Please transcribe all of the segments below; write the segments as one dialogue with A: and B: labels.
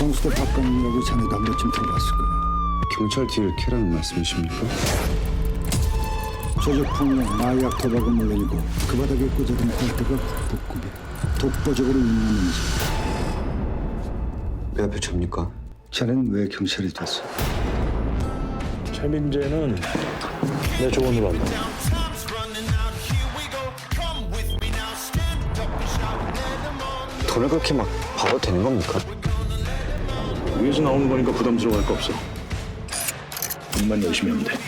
A: 광수대 박관이라고 자네도 한 번쯤 들어봤을 거야.
B: 경찰 뒤를 캐라는 말씀이십니까?
A: 조직폭력, 마약, 도박은 물론이고 그 바닥에 꽂아둔 골대가 북극급에 독보적으로 유명한지.
B: 왜 앞에 접니까?
A: 자네는 왜 경찰이 됐어?
C: 최민재는 내 조언으로 한다.
B: 돈을 그렇게 막 받아도 되는 겁니까?
C: 위에서 나오는 거니까 부담스러워할 거 없어. 일만 열심히 하면 돼.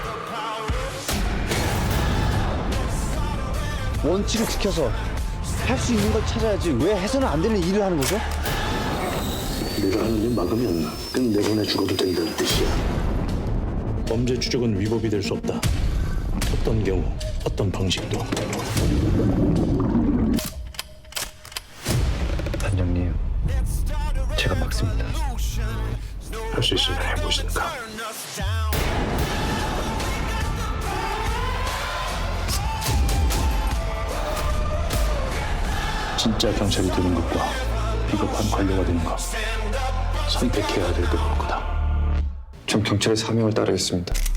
D: 원칙을 지켜서 할 수 있는 걸 찾아야지 왜 해서는 안 되는 일을 하는 거죠?
C: 내가 하는 일 막으면 끝내보내 죽어도 된다는 뜻이야. 범죄 추적은 위법이 될 수 없다. 어떤 경우, 어떤 방식도.
D: 단장님, 제가 막습니다.
C: 할 수 있으면 해보시니까. 진짜 경찰이 되는 것과 비겁한 관료가 되는 것 선택해야 될 것 같다.
B: 전 경찰의 사명을 따르겠습니다.